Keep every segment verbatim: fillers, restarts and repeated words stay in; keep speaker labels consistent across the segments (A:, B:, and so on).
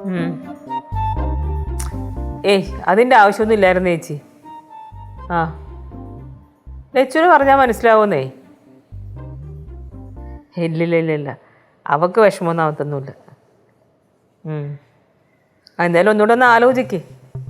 A: ഏയ് അതിൻ്റെ ആവശ്യമൊന്നും ഇല്ലായിരുന്നു ചേച്ചി. ആ ലച്ചുവിന് പറഞ്ഞാൽ മനസ്സിലാവുന്നേ. ഇല്ലില്ല ഇല്ല ഇല്ല അവൾക്ക് വിഷമമൊന്നും ആവത്തൊന്നുമില്ല. എന്തായാലും ഒന്നുകൂടെ ഒന്ന് ആലോചിക്ക്.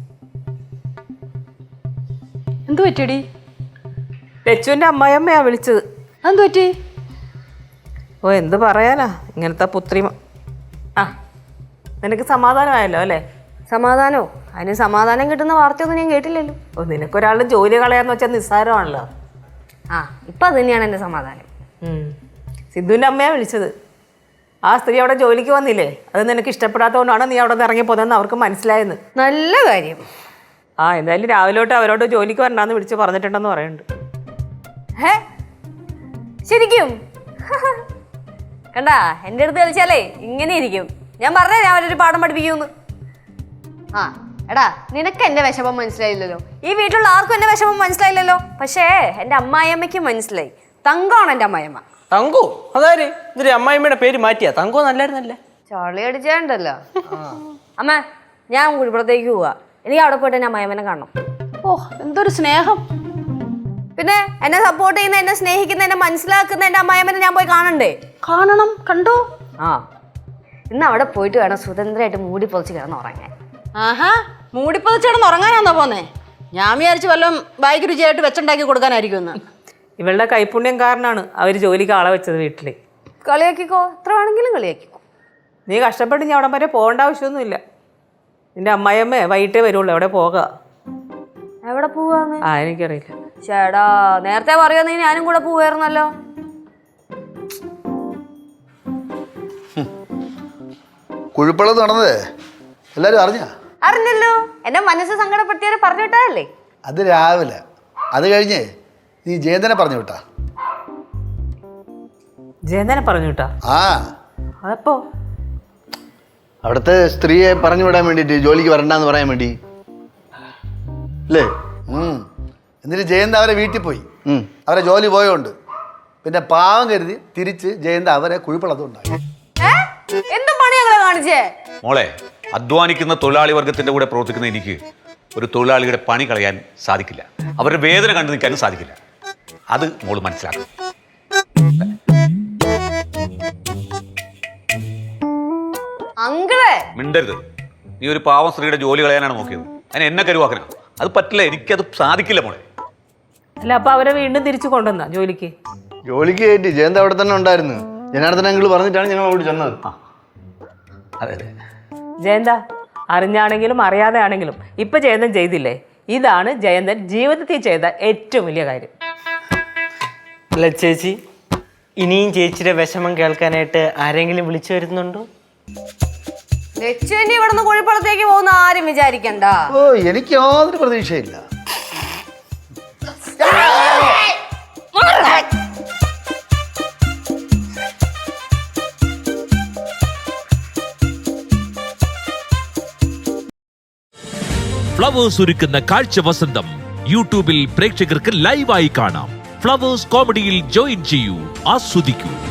B: എന്തു പറ്റിയടി?
A: ലച്ചുവിൻ്റെ അമ്മായിയമ്മയാ വിളിച്ചത്.
B: എന്തു പറ്റി?
A: ഓ എന്ത് പറയാനാ, ഇങ്ങനത്തെ പുത്രി. ആ നിനക്ക് സമാധാനമായല്ലോ അല്ലേ?
B: സമാധാനോ? അതിന് സമാധാനം കിട്ടുന്ന വാർത്തയൊന്നും ഞാൻ കേട്ടില്ലല്ലോ.
A: ഓ നിനക്കൊരാളുടെ ജോലി കളയാന്ന് വെച്ചാൽ നിസ്സാരമാണല്ലോ.
B: ആ ഇപ്പം അത് തന്നെയാണ് എൻ്റെ സമാധാനം.
A: സിദ്ധുവിൻ്റെ അമ്മയാണ് വിളിച്ചത്. ആ സ്ത്രീ അവിടെ ജോലിക്ക് വന്നില്ലേ, അത് നിനക്ക് ഇഷ്ടപ്പെടാത്തതുകൊണ്ടാണ് നീ അവിടെ നിന്ന് ഇറങ്ങി പോകുന്നതെന്ന് അവർക്ക് മനസ്സിലായെന്ന്.
B: നല്ല കാര്യം.
A: ആ എന്തായാലും രാവിലെ തൊട്ട് അവരോട് ജോലിക്ക് വരണ്ടാന്ന് വിളിച്ച് പറഞ്ഞിട്ടുണ്ടെന്ന് പറയുന്നുണ്ട്.
B: ഹേ ശരിക്കും? കണ്ടാ എൻ്റെ അടുത്ത് കളിച്ചാലേ ഇങ്ങനെ ഇരിക്കും. ഞാൻ പറഞ്ഞേ ഞാൻ അവരൊരു പാഠം പഠിപ്പിക്കുമെന്ന്. ആ എടാ നിനക്ക് എൻ്റെ വിഷമം മനസ്സിലായില്ലല്ലോ, ഈ വീട്ടിലുള്ള ആർക്കും എൻ്റെ വിഷമം മനസ്സിലായില്ലല്ലോ. പക്ഷേ എൻ്റെ അമ്മായിയമ്മയ്ക്ക് മനസ്സിലായി. തങ്കമാണ് എൻ്റെ അമ്മായിയമ്മ.
C: തങ്കോ? അതാര്? ഇതൊരു അമ്മായിമ്മയുടെ പേര് മാറ്റിയാ? തങ്കോ നല്ലായിരുന്നല്ലേ?
B: ചളി അടിച്ചാണ്ടല്ലോ. അമ്മ ഞാൻ കുഴിപ്പുറത്തേക്ക് പോവാ, എനിക്ക് അവിടെ പോയിട്ട് എൻ്റെ അമ്മായിയമ്മനെ കാണണം.
D: ഓ എന്തൊരു സ്നേഹം!
B: പിന്നെ എന്നെ സപ്പോർട്ട് ചെയ്യുന്ന, എന്നെ സ്നേഹിക്കുന്ന, എന്നെ മനസ്സിലാക്കുന്ന എൻ്റെ അമ്മായിയമ്മനെ ഞാൻ പോയി കാണണ്ടേ?
D: കാണണം. കണ്ടോ?
B: ആ ഇന്ന് അവിടെ പോയിട്ട് വേണം സ്വതന്ത്രമായിട്ട് മൂടി പൊതിച്ച് കിടന്ന് ഉറങ്ങാൻ.
D: ആഹാ മൂടിപ്പൊതിച്ച് കിടന്ന് ഉറങ്ങാനാന്നോ പോന്നേ? ഞാൻ വിചാരിച്ചു വല്ലതും ബായിക്ക് രുചിയായിട്ട് വെച്ചുണ്ടാക്കി കൊടുക്കാനായിരിക്കും എന്ന്.
A: ഇവളുടെ കൈപ്പുണ്യം കാരണമാണ് അവർ ജോലിക്ക് ആളെ വെച്ചത് വീട്ടിൽ.
B: കളിയാക്കിക്കോ, എത്ര വേണമെങ്കിലും കളിയാക്കിക്കോ.
A: നീ കഷ്ടപ്പെട്ട് ഞാൻ അവിടെ വരെ പോകേണ്ട ആവശ്യമൊന്നുമില്ല. നിന്റെ അമ്മായിയമ്മേ വൈകിട്ടേ വരുള്ളൂ. എവിടെ പോകാ?
B: എവിടെ പോവാന്ന്?
A: ആ എനിക്കറിയില്ല.
B: ചേടാ നേരത്തെ പറയുന്ന ഞാനും കൂടെ പോവായിരുന്നല്ലോ.
E: കുഴിപ്പള്ളത് നടന്നതേ എല്ലാരും അറിഞ്ഞ?
B: അറിഞ്ഞല്ലോ. എന്നെ മനസ്സ് സങ്കടപ്പെടുത്തിയവരെ പറഞ്ഞു വിട്ടതല്ലേ?
E: അത് രാവിലെ. അത് കഴിഞ്ഞേ നീ ജയന്തനെ പറഞ്ഞു വിട്ടാ?
A: ജയന്തനെ പറഞ്ഞു വിട്ടാ?
E: ആ
A: അതപ്പോ
E: അവിടുത്തെ സ്ത്രീയെ പറഞ്ഞു വിടാൻ വേണ്ടിട്ട്, ജോലിക്ക് വരണ്ടെന്ന് പറയാൻ വേണ്ടി അല്ലേ? എന്നിട്ട് ജയന്ത അവരെ വീട്ടിൽ പോയി. അവരെ ജോലി പോയോണ്ട് പിന്നെ പാവം കരുതി തിരിച്ച് ജയന്ത അവരെ കുഴിപ്പള്ളതുണ്ടായി.
B: എന്ത് പണി ഞങ്ങളെ കാണിച്ചേ?
F: മോളെ, അധ്വാനിക്കുന്ന തൊഴിലാളി വർഗത്തിന്റെ കൂടെ പ്രവർത്തിക്കുന്ന എനിക്ക് ഒരു തൊഴിലാളിയുടെ പണി കളയാൻ സാധിക്കില്ല. അവരുടെ വേദന കണ്ടു നിൽക്കാനും സാധിക്കില്ല. അത് മോള് മനസ്സിലാക്കണം.
B: അങ്കിളെ
F: മിണ്ടരുത്. നീ ഒരു പാവം സ്ത്രീയുടെ ജോലി കളയാനാണ് നോക്കിയത്. അതിന് എന്നെ കരുവാക്കണം. അത് പറ്റില്ല, എനിക്കത് സാധിക്കില്ല മോളെ.
A: അല്ല അപ്പൊ അവരെ വീണ്ടും തിരിച്ചു കൊണ്ടുവന്ന ജോലിക്ക്?
E: ജോലിക്ക് കയറ്റി. ജയന്ത അവിടെ തന്നെ ഉണ്ടായിരുന്നു. ജനാർദ്ദന അങ്കിൾ പറഞ്ഞിട്ടാണ് ഞങ്ങൾ അവിടെ ചെന്നത്.
F: അതെ അതെ.
A: ജയന്ത അറിഞ്ഞാണെങ്കിലും അറിയാതെ ആണെങ്കിലും ഇപ്പൊ ജയന്തൻ ചെയ്തില്ലേ, ഇതാണ് ജയന്തൻ ജീവിതത്തിൽ ചെയ്ത ഏറ്റവും വലിയ കാര്യം.
C: അല്ല ചേച്ചി, ഇനിയും ചേച്ചിയുടെ വിഷമം കേൾക്കാനായിട്ട് ആരെങ്കിലും വിളിച്ചു വരുന്നുണ്ടോ?
B: ലക്ഷ്മി ഇവിടുന്ന് കുഴിപ്പുറത്തേക്ക് പോകുന്ന ആരും വിചാരിക്കണ്ട.
E: ഓ എനിക്ക് യാതൊരു പ്രതീക്ഷയില്ല.
G: ഫ്ലവേഴ്സ് ഒരുക്കുന്ന കാഴ്ച വസന്തം യൂട്യൂബിൽ പ്രേക്ഷകർക്ക് ലൈവായി കാണാം. ഫ്ലവേഴ്സ് കോമഡിയിൽ ജോയിൻ ചെയ്യൂ, ആസ്വദിക്കൂ.